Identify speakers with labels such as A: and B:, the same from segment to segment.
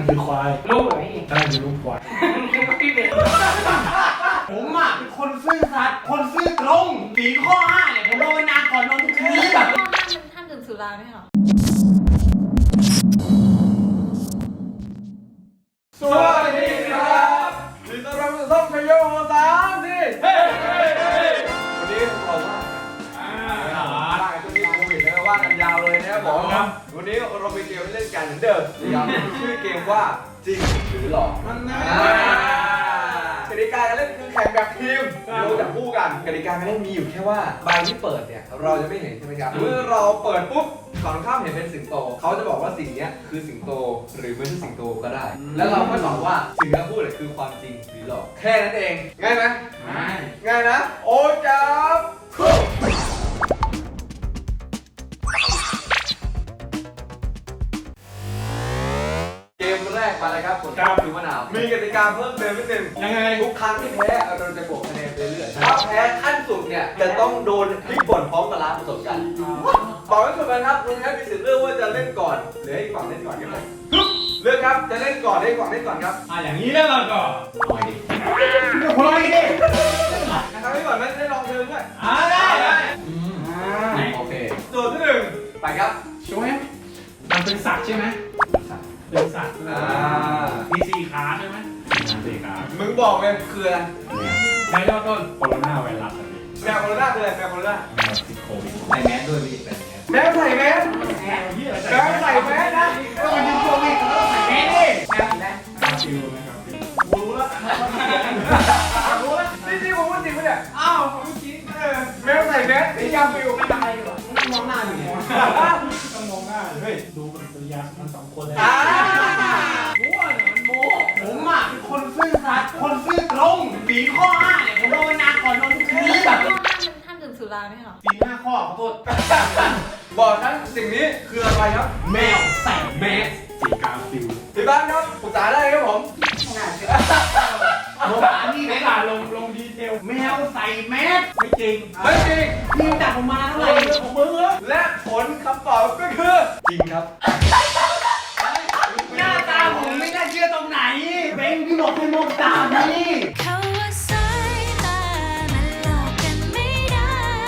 A: คือควาย
B: ลูกเหรอพี่
A: ใช่คือลูกควาย
B: พี่เป็น
C: ผมอ่ะเป็นคนซื่อสัตย์คนซื่อตรงสีข้อ5เนี่ยผมภาวนาก่อนนอนทุกคืน
D: ข้อห้ามดื่มสุราไหมเหรอ
E: สวัสดีครับยินดีต้อนรับสู่ช่องชัยโยโฮสามสิเฮ้วันนี้เราว่าช่วงนี้โควิดนะว่ากันยาวเลยนะครับผมวันนี้เรามีเกมเล่นกันเหมือนเดิมชื่อเกมว่าจริงหรือหลอกกติกาการเล่นคือแข่งแบบทีมเราจะคู่กันกติกาการเล่นมีอยู่แค่ว่าใบที่เปิดเนี่ยเราจะไม่เห็นใช่ไหมครับเมื่อเราเปิดปุ๊บฝั่งข้ามเห็นเป็นสิงโตเขาจะบอกว่าสิ่งนี้คือสิงโตหรือไม่ใช่สิงโตก็ได้แล้วเราก็ตอบว่าสิ่งที่พูดคือความจริงหรือหลอกแค่นั้นเองง่ายไหมง่ายนะโอ้จับคู่เกมแรกมาเลยครับผมคือมะนาวมีกติกาเพิ่มเติมนิดนึง
A: ยังไง
E: ทุกครั้งที่แพ้เราจะบวกคะแนนไปเรื่อยถ้าแพ้ขั้นสุดเนี่ยจะต้องโดนพลิกบ่นพร้อมกับล้างผสมกันบอกไว้ก่อนนะครับคุณแพ้มีสิทธิ์เลือกว่าจะเล่นก่อนหรือให้ฝั่งเล่นก่อนกันเลยเลือกครับจะเล่นก่อนให้ฝั่งเล่นก่อนครับ
A: อย่างนี้แล้วเราก็
C: พอดีดิ
E: นะครับให้ก่อนไม่ได้ลองเชิญด้วย
C: ได้โอเค
E: โจทย์ที่หนึ่งไปครับ
A: ช่วยมันเป็นสัตว์ใช่ไหมเป็นสัตว์มี4 ขาใช่ไหม4 ขา
E: มึงบอกเลยคืออะไร
A: ใช้ยอดต้นโคโรนาไวรัส
E: แมวโคโรนาคืออะไรแมวโคโรนา
A: ติดโควิด
C: ใส่แมสด้วยพี่
E: แมวใส่แมสแมวใส่แมสนะก็มันยิงโควิดใส่แมสดิแมวใส่แมส
A: ฟิวนะครับ
E: รู้แล้วนี่ผมพูดจริงปะเนี่ยอ้าวผมจริงแมวใส่แมสนี่ยาฟิว
B: ไม่ทำอะไรอยู่มึงมองหน้าอยู่เนี่ย
A: ต้องมองหน้าเฮ้ยดูปฏิกิริยามัน2 คนเลย
C: มั่วเนี่ยมันโม้ผมอ่ะเป็นคนซื่อสัตย์คนซื่อตรงสีข้อ5เนี่ยผมภาวนาก่อนนอนทุกคืน
D: ข้อห้ามดื่มสุราไหมเหรอ
C: สี5 ข้อขอโทษ
E: บอกฉันสิ่งนี้คืออะไรครับ
C: แมวใส่แมส
A: สีกาฟิว
E: ที่บ้านครับปรึกษาได้ครับผม
C: นี่ไหมล่ะลงดีเทลแมวใส่แมส
A: ไม่จริง
C: พี่จับผมมาเท่าไหร่ของมึงเหรอ
E: และผลคำตอบก็คือจริงครับ
C: หน้าตาผมไม่น่าเชื่อตรงไหนเบงพี่บอกให้มองตาพี่
D: เขาว่าสายตามันหลอกกันไม่ได้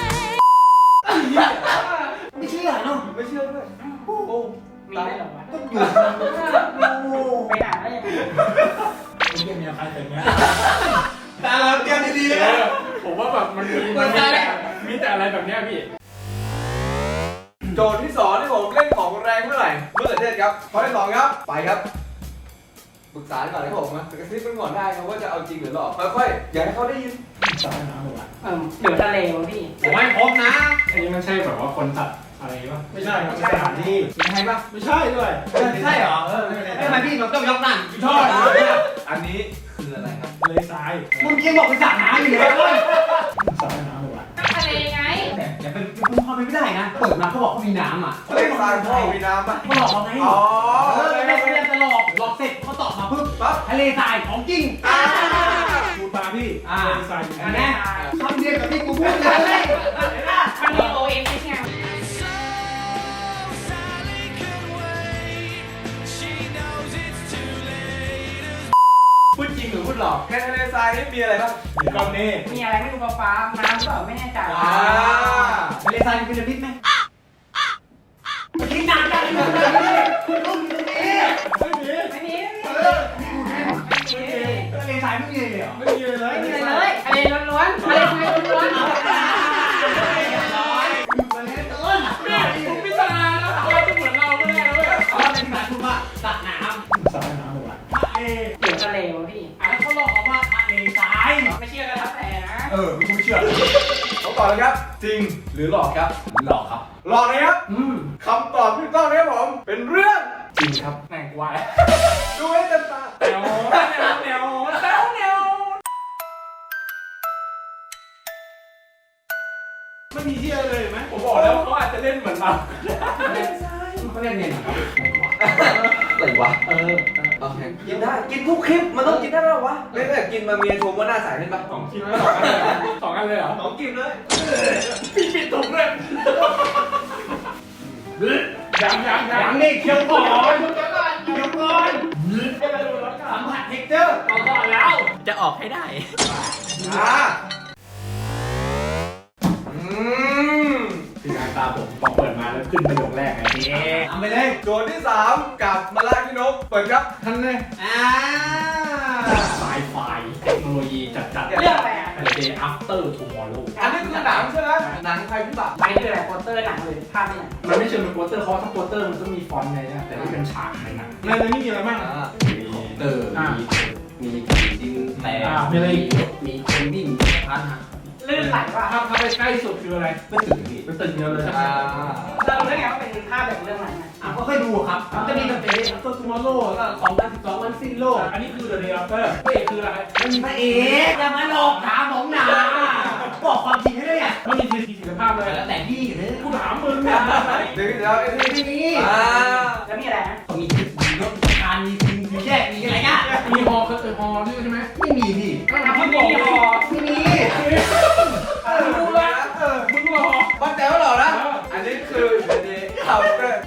C: ไม่เชื่อเนาะ
E: ไม่เชื่อด้วยโอ้
B: มีได้หรอวะ
C: ต้องอยู่
B: ไปหาได้ยังไง
A: ไอ้เหี้ยมีใครเป็นเงี้ย
C: ตาเราเตรียมดีๆนะ
A: ผมว่าแบบมันมีแต่อะไรแบบเนี้ยพี่
E: โจทย์ที่2ที่ผมเล่นของแรงเมื่อไหร่เมื่อเดือนครับข้อที่2ครับไปครับปรึกษาก่อนให้ผมนะกระซิบกันก่อนได้ครับว่าจะเอาจริงหรือหลอกค่อยๆอย่าให้เขาได้ยิน
A: สายน้ำหมดละ
B: เดี๋ยวทะเลวะพี่
C: ผมให้พบนะ
A: อันนี้มันใช่แบบว่าคนตัดอะไรป่ะไม่ใช่ครับสถานที่
C: ใช่ป่ะ
A: ไม่ใช่ด้วย
C: ใช่เหรอทำไมพี่ต้องยกนั่น
A: ชอบ
E: อันนี้คืออะไรครับ
A: เลยทราย
C: มึงยังบอกเป็นสระน้ำอยู่เลย
A: สายน้ำหมดละ
D: ทะเลไง
C: อย่าเป็นคุณพ่อไม่ได้นะเปิดมาเขาบอกเขามีน้ำอ่ะ
E: เลทรายพ่อมีน้ำป่ะ
C: เขาหลอกเราไงไม่พยายามจะหลอกเสร็จเขาตอบมาปุ๊บทะเลทรายของจริง
A: ดูตาพี่ทราย
C: อันนี้คำเดียวกับที่กูพูดเลย
B: มันมีโอเอ็มไง
E: พูดจริงหรือพูดหลอกแค่ทะเลทรายนี่มีอะไรบ้าง
A: ก้อนเมฆ
B: มีอะไรไม่รู้ฟ้าน้ำก็ไม่แน่ใจ
C: ทะเลทรายมีพีระมิดไหมที่นานจังเลยคุณต้องมีตรงนี้
B: ไม่มี
C: ทะเลทรายไม่มีเลยเหรอ
A: ไม่มีเลย
B: ไม่มีเลยทะเลล้วนๆทะเลล้วนๆ
A: ผมพิจารณาแล้วเราจะเหมือนเราไม่ได้เลย
C: เขาเป็นแบบคุณว่าสระน้ำ
A: สายน้ำหมดละ
B: เดี๋ยวทะเลวะพี่
C: เขาหลอกว่าทะเลทราย
B: ไม่เชื่อก็แล้วแต่นะ
E: ไม่เชื่อเขาตอบเลยครับจริงหรือหลอกครับ
C: หลอกครับ
E: หลอกนะครับคำตอบที่ต้องนะครับผมเป็นเรื่องจริงครับ
B: แหน่งวาย
E: ดูให้เต็มตา
A: แนวไม่มีเชื่อเลยไหมผมบอกแล้วเขาอาจจะเล่นเหมือนเรา
C: เขาเล่นเนี่ย
E: อะไรวะกินได้กินทุกคลิปมันต้องกินได้แล้ววะไม่ได้กินมาเมียชมว่าหน้าใสเล่นปะ
A: 2 คลิปแล้ว2 อันเลยเหรอ
E: 2 คลิปเลย
A: พี่ปิดถุงเลย
C: ยังนี่เคี้ยวก่อนเจอร์
A: เอาก่อนแล้ว
F: จะออกให้ได้
A: คืองานตาผมพอเปิดมาแล้วขึ้นประโยคแรกไงพี่
C: ทำไปเลย
E: โจทย์ที่ 3 กับมาลากินกเปิดครับ
A: ท่านเลย ไซไฟเทคโนโลยีจัดๆ
B: เรื่องอะไรอ่ะ
A: The Day After Tomorrow
E: อันนี้คือหนังใช่ไหมหนังภัยพิบัติ
B: อันนี้คืออะไรโปสเตอร์หนังเลยภาพที่ไหน
A: มันไม่เชิงเป็นโปสเตอร์เพราะถ้าโปสเตอร์มันต้องมีฟอนต์ไงนะแต่นี่เป็นฉากในหนังในนี้มีอะไรบ้าง
F: เตอร์มีผีดินแตก
A: มีอะไรอีก
F: มีคนวิ่งพันหัก
B: ลื่นไหลว่ะ
A: ภาพไปใกล้สุดคืออะไร
F: เป็นตึกพี่
A: เป็นตึกเดียวเลยใช่ไหม
B: เรารู้ได้ไงว่าเป็นภาพแบบเรื่องไหนอ่ะ
C: ก็เคยดูครับมันจะมีแบบเป็นตัวทูมอร์โลก็2012วันสิ้นโลก
A: อันนี้คือ The Day After พระเอกคืออะไร
C: มันมีพระเอกอย่ามาหลอกถามผมนะบอกความจริงให้ด้วยอ่ะ
A: มันมีทีศิลภาพเลย
C: แล้วแต่พี่เลย
A: กูถามมึงเนี่ย
E: เดี๋ยวไอ้ที่
C: นี่
B: แล้วมีอะไรนะ
C: มีจุดมีรถการมีทีมมีแยกมีอะไรเงี้ย
A: มีฮอคือฮอด้วยใช่ไหม
C: ไม่มีพี่
B: ทำให้มีคอ
C: ไม่มี
A: มึงละมึงรอ
E: มั่นใจว่าหรอนะ อันนี้คือเดย์อัฟเตอร์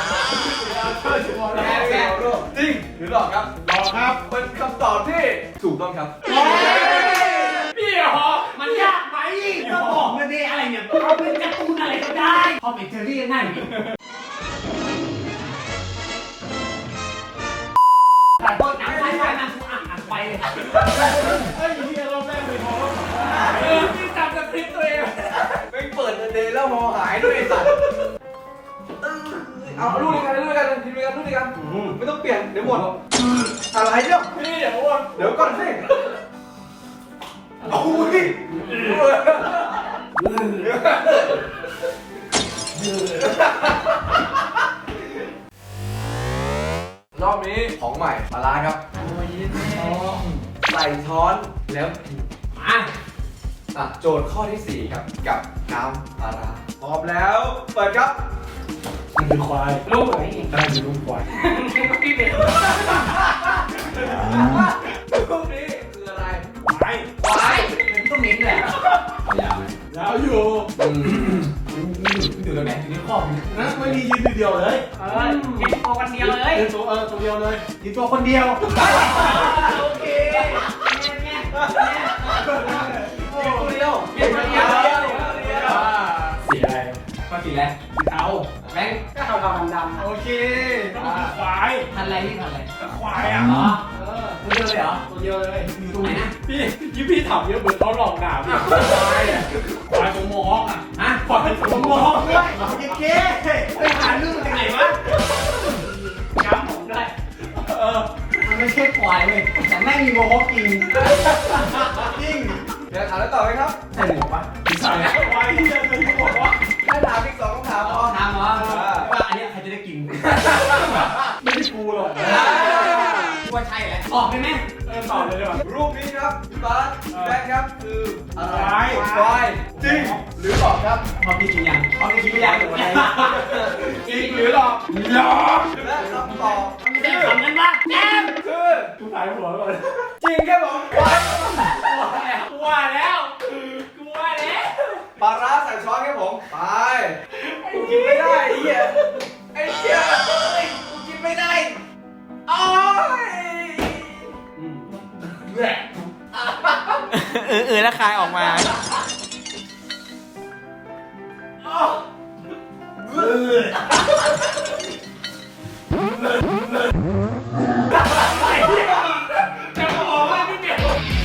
E: จริงหรือหลอกครับ
A: รอครับ
E: เป็นคำตอบที่ถูกต้องครับ
A: พี่ฮอ
C: มันยากไหมก็บอกมาดิอะไรเนี่ยเอาเป็นการ์ตูนอะไรก็ได้พอเป็นเจอรี่ง่ายดิแต่ต้นน้ำไฟมากูอ่านไปเลย
A: ไอ้เหี้ยรอบแรกเลยฮอพี่จำสคริปต์ตัวเอง
E: ไม่เปิดเดย์แล้วมอหายด้วยไอ้สัตว์เอาลูกด้วยกันทีมด้วยกันลูกด้วยกันไม่ต้องเปลี่ยนเดี๋ยวหมดอะไรเนี่ย
A: พี่เดี๋ยววน
E: เดี๋ยวก่อนสิโอ้ยรอบนี้ของใหม่ปลาร้าครับใส่ช้อนแล้วกินโจทย์ข้อที่ 4 ครับกับน้ำปลาร้าพร้อมแล้วเปิดครับ
A: มันคือควาย
B: ลูกเหรอพี่
A: ได้คือลูกควาย
B: พี่เป็น
E: รูปนี้คืออะไร
A: ควาย
E: ควาย
C: มันต้องมิ้นแหละ
F: เอายาวไหม
A: ยาวอยู่
C: อยู่ตรงไหนอยู่ที่ข้อมัน
A: นะไม่มียืนเดียวเลย
B: ยืนโตกันเดียวเลย
A: ตัวเดียวเลย
C: อยู่ตัวคนเดียว
E: โอเค
B: ตัวเดียว
E: เดี๋ยว
A: สีอะไร
C: ก็สีแล้ว
A: เอา
C: แบงค์
B: ก็เทาๆดำ
A: โอเคก็คือควาย
C: พันอะไรพี่พันอะไร
A: ก็ควายอ่ะ
C: อ๋อตัวเดียวเลยเหรอ
A: ตัวเดียวเลย
C: อยู่ตรงไหนนะ
A: พี่ถามเยอะเหมือนเขาหลอกด่าพี่ควายอ่ะควายตัวมองอ่ะ
C: อ่ะ
A: ควายตัวมอง
C: ด้วยเจ๊ไปหาลูกจากไหนวะ
B: ๆย้ำผมด้วย
C: มันไม่ใช่ควายเว้ยแต่แม่งมีโมฮอคจริงจริง
E: เดี๋ยวถามแล้วต่อไหมครับ
C: ใส่หมวกปะ
A: ใส่ควายที่จะเป็นบอกว่า
E: ให้ถามอีก2 คำถามพอ
C: ถามเหรอว่าอันนี้ใครจะได้กิน
A: ไม่ได้กูหรอก
C: ว่าใช่แหละออกได้ไหม
A: ตอบเลยดีกว่า
E: รูปนี้ครับพี่บาสพี่แบงค์ครับคืออะไร
A: ควาย
E: ควายจริงหรือหลอกครับ
C: พอพี่กินยังพอพี่กินไม่ยังหรืออะไร
A: จริงหรือหลอกหลอก
E: และคำตอบ
C: ไม่ได้ทำกันปะแจม
E: คือ
A: กูถ่ายหัวก่อน
E: จริงครับผมควาย
A: กูว่าแล้วกูว่าแล้ว
E: ปลาร้าใส่ช้อนครับผมไปกูกินไม่ได้ไอ้เหี้ยไอ้เหี้ยกูกินไม่ได้โอ้ย
A: แหละ
F: แล้วคายออกมา
A: จะบอกว่าพี่เดียว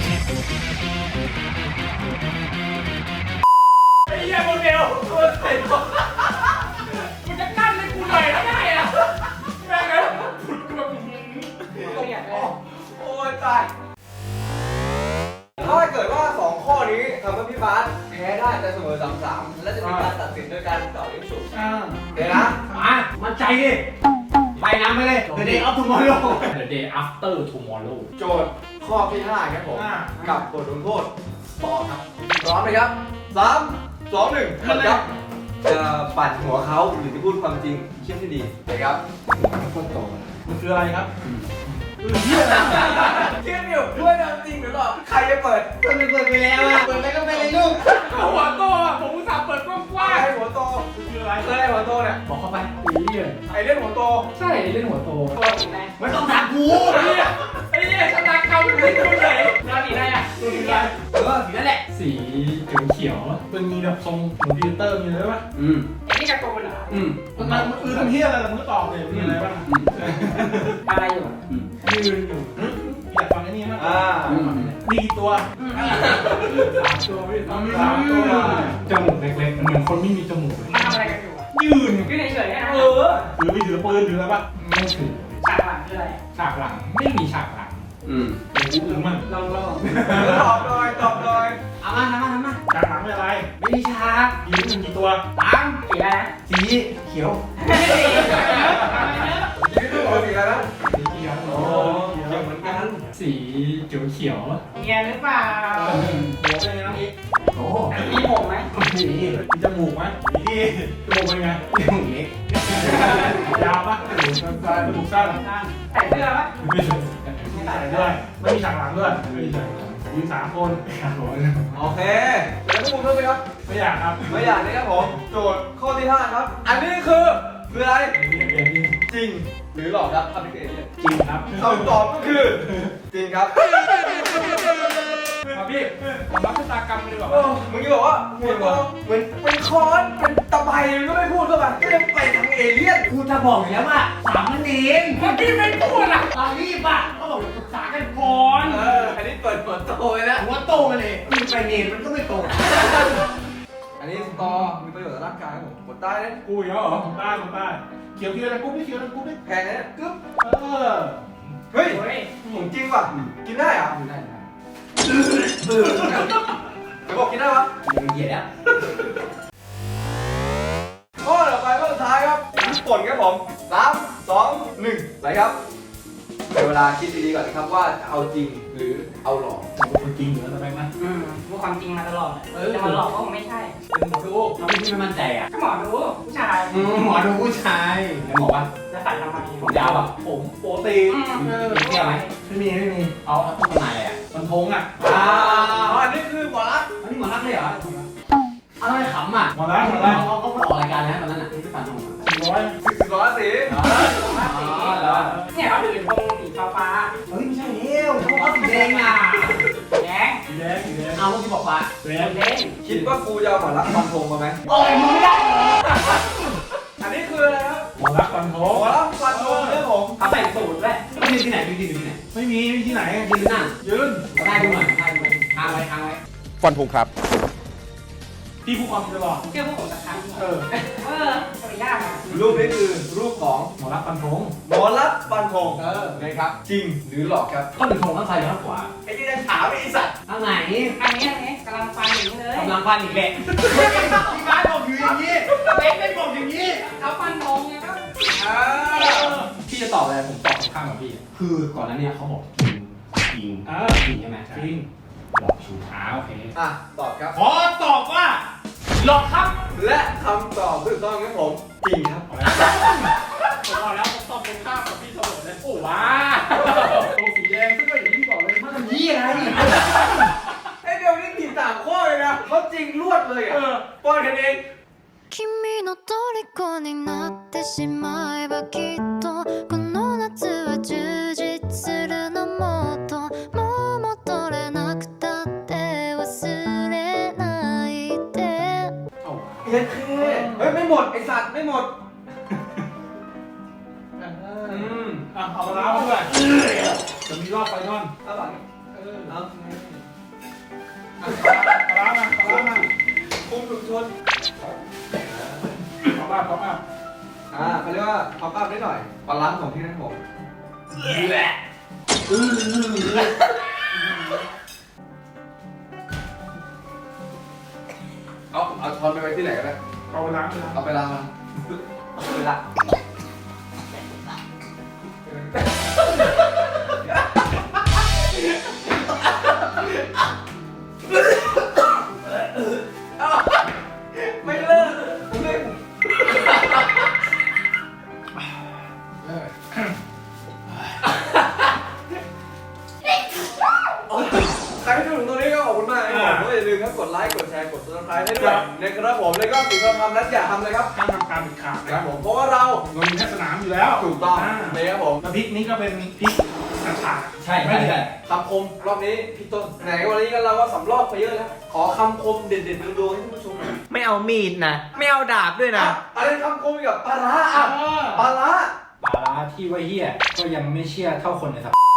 A: ไอ้เหี้ยโมเดลตัวใส่ตัวกูจะกั้นให้กูหน่อยแล้วได้อะแม่งเลยผุดกูแบบ
B: ตัวใหญ่เลย
E: โอ้ยตายถ้าเกิดว่า2 ข้อนี้ทำให้พี่บาสแพ้ได้จะเสมอ3-3 และจะมีการตัดสินโดยการต่อยิงฉุบเดี๋ยวนะ
C: มามั่นใจดิไปน้ำไปเลย The Day of Tomorrow
A: The Day After Tomorrow
E: โจทย์ข้อที่ 5 ครับผม กับบทลงโทษต่อครับพร้อมไหมครับ 3 2 1ครับจะปั่นหัวเขาหรือจะพูดความจริงเชื่อที่ดีนะครับ
A: มันคืออะไรครับ
E: เชื่ออยู่ด้วยความจริงหรือหลอกใครจะเปิด
C: เปิดไปแล้วอ่ะเปิดไปก็ไปเลยลูก
A: หัวโตอ่ะผมอุตส่าห์เปิดกว้าง
E: ไอ้หัวโต
A: ๆมันคืออะไร
E: เคยไอ้หัวโตเนี่ย
C: บอกเข้าไป
A: อีเหี้ย
E: ไอ้เล่นหัวโต
A: ใช่เล่นหัวโต
B: ตัวจริงไหม
C: ไม่ต้องถามกู
A: ไอ้เหี้ยชนะเก่าจะมีแบบทรงเหมือนพิวเตอร์มีอะไรป่ะ
B: ไอ้นี่การ์ตูนเหรอ
A: มันทำเฮียอะไรล่ะมึงก็ตอบเลยมีอะไรบ้าง
B: อะไรอยู่อะ
A: ยืนอยู่อยากฟังไอ้นี่มั้ยมีกี่ตัว3 ตัวพี่3 ตัวจมูกเล็กๆเหมือนคนไม่มีจมูกเลย
B: มันทำอะไรกันอยู่อะ
A: ยืน
B: ยืนเฉยๆนะ
A: ถือไปถือปืนถืออะไรปะไม่ถือ
B: ฉากหลังคืออะไร
A: ฉากหลังไม่มีฉากหลังหรือมัน
B: ลอง
E: ตอบหน่อยตอบหน่อย
C: เอามาทำมา
A: ฉากหลังเป็นอะไร
C: ไม่มีฉาก
A: ยืนกี่ตัว
B: สีอะไรนะ
C: สีเขียว
E: ยืนดูเอาสีอะไรนะ
A: สีเขียว
E: โอ้เขียวเหมือนกัน
A: สีเขียวเขียว
B: เนียนหรือเปล่า
A: หัวเป็นไงน้องอีก
C: โอ้
B: มีผมไหม
C: สี
A: มีจมูกไหมมีจมูกเป็นไง
C: จมูกเล็ก
A: ยาวปะจมูกสั้นจมูกสั้น
B: ใส่เสื้อปะ
A: ไม่ใส่ด้วยไม่มีฉากหลังด้วยไม่มีฉากหลังยืน3 คนครับผม
E: โอเคแล้วทุกคนรู้ไหมครับ
A: ไม่อยากครับ
E: ไม่อยากนะครับผมโจทย์ข้อที่ 5 ครับ อันนี้คืออะไร
A: เรียนนี่
E: จริงหรือหลอกครับคำที่เกิดเนี่ย
A: จริงครับ
E: คำตอบก็คือจริงครับ
A: มาพี่ผมรับชะตากรรมไปดีกว่า
E: มึงจะบอกว่าเหมือนเป็นคอนเป็นตะไบมันก็ไม่พูดเข้าไปก็จะไปทางเอเลี่ยน
C: กูจะบอกอยู่แล้วว่า3นั่นเอง
A: เมื่อกี้ไม่พูดอ่ะ
C: เรารีบอ่ะ
A: เขาบอกปรึกษากันก่อน
E: อันนี้เปิดโตเลยนะ
C: ผมว่าโตมาเลยมีไปเนนมันก็ไม่โต
E: อันนี้สตอมีประโยชน์ต่อร่างกายครับผมกดใต้นะ
A: กูอีกแล้วเหรอผมได้เขียวนะกูไม่เขียวนะกูไม่
E: แพงนะเนี่ยกึ๊บ
A: เฮ้ย
E: เฮ้ยของจริงว่ะกินได้เหรอ
C: ได้
E: เดี๋ยวบอกกินได้ปะ
C: มึงเหยียดแล้ว
E: ข้อต่อไปข้อสุดท้ายครับญี่ปุ่นครับผม3 2 1ไปครับเดี๋ยวเวลาคิดดีๆก่อนนะครับว่าจะเอาจริงหรือเอาหลอก
A: คนจริงเหรอทำไมนะ
B: พูดความจริงมาตลอดจะมาหลอกก็คงไม่ใช่
A: เป็นหมอดู
C: เราไม่มั่นใจอ่ะ
B: ก็หมอดูผู้ชาย
C: หมอดูผู้ชายแล้วหมอว่า
B: จะใส่ทำไม
C: ผมยาวอ่ะ
A: ผมโปรตีน
C: มีเที่ยวไหม
A: ไม่มี
C: เอาต้นไม้อะไรอ่ะ
A: มันทงอ่ะ
E: อันนี้คือหมอรัก
C: อันนี้หมอรักเลยเหรออะไรขำอ่ะ
A: หมดแล้ว
C: เขาออกรายการแล้วตอนนั้นอ่ะที่ฟันทง
A: 400
E: 10 สี
B: เนี่ยเขาถือธงสีฟ้า
C: เฮ้ยไม่ใช่เลี้ยวเขาบอกสีแดงอ่ะ
B: แดง
A: สีแดง
C: เอาเมื่อกี้บอกว่า
A: แดง
B: แดง
E: คิดว่ากูจะเอาหมอรักฟันธงมาไหม
C: โอ้ยมึงไม่ได้
E: อันนี้คืออะไรครับ
A: หมอรักฟันท
E: หมอง รักฟันธงเนี่ยผม
B: เขาใส่สูทด้วย
C: ไม่ยืนที่ไหนยืนที่ไหน
A: ไม่มีที่ไหน
C: ยืนนั่ง
A: ยืน
C: ได้ดูหน่อยได้ดูหน่อยทางไว้ทางไว้
G: ฟันธงครับ
A: พี่ผู้ความตลอด
B: เชื่อพวกผมสักครั้ง
A: เออ
B: จะไปยากอ่ะ
E: รูปนี้คือรูปของ
A: หมอรักฟันทง
E: หมอรักฟันธงนะครับ จริงหรือหลอกครับ
C: ต้นหนึ่งทงข้างซ้ายหรือข้างขวา
E: ไอ้ที่จะถามไอ้สัตว์
C: ข้างไหน
B: อันนี้กำลังฟันอย่างนี้เลย
C: กำลังฟันอีกแหละพี่บ้านบอกอยู่อย่างนี้เล็กไม่บอกอย่างนี้
B: เขาฟันธงไงครับ
C: พี่จะตอบอะไรผมตอบข้างกับพี่ คือก่อนหน้านี้เขาบอกจริงจริงจริงใช่ไหม
A: จริง
C: หลอกชู
A: โอเค
E: อ่ะตอบครับ
A: ขอตอบว่าหลอกครับ
E: และคำตอบถูกต้องครับผมจริงครับ
A: ผมบอกแล้วผมตอบตรงข้ามกับพี่เสมอเลยโอ้ว้าตรงสีแดงซึ่งก็อย่างที่บอกเลยมัน
C: มันยี่อะไร
E: ไอ้เดี๋ยวนี้ผิด3 ข้อเลยนะเขาจริงรวดเลยอ่ะป้อนกันเอง
D: 君の虜になってしまえばきっとこの夏は充実するのもっともう戻れなくたって忘れないで
E: เฮ้ยไม่หมดไอสัตว์ไม่หมด
A: เอามาล้างมาด้วยจะมีรอบไฟนอล
E: เอาหลังเอา
A: ล้างมา
E: คุมถุงชน
A: ขอมา
E: เขาเรียกว่าท็อปอัพนิดหน่อยบาลานซ์ของที่นั่นผมเอาช้อนไปไว้ที่ไหนก็ได้
A: เอาไปล้างเลย
E: เอาไปล้างมันเวลาไม่เลิกไม่ ใครที่ดูถึงตรงนี้ก็ขอบคุณมากนะครับผมอย่าลืมครับกดไลค์กดแชร์กด subscribe ให้ด้วยนะครับผมแล้วก็สิ่งที่เราทำนั้นอย่าทำเลยครับ
A: ห้ามทำการผิดขาด
E: ครับผมเพราะว่าเรา
A: เรามีแค่สนามอยู่แล้ว
E: ถูกต้องนะครับผม
A: น้ำพริกนี้ก็เป็นพริกขาด
F: ใช่
A: ไม่ได้
E: คำคมรอบนี้พี่ต้นไหนวันนี้กันเราก็สำรอบไปเยอะแล้วขอคำคมเด็ดๆโดนๆให้ท่านผู้ชมหน่อย
C: ไม่เอามีดนะ ไม่เอาดาบด้วยนะ
E: อะไรคำคมกับปลาร้าอ่ะปลาร้า
A: ปลาร้าที่ว่าเฮี้ยก็ยังไม่เชื่อเท่าคนในสัป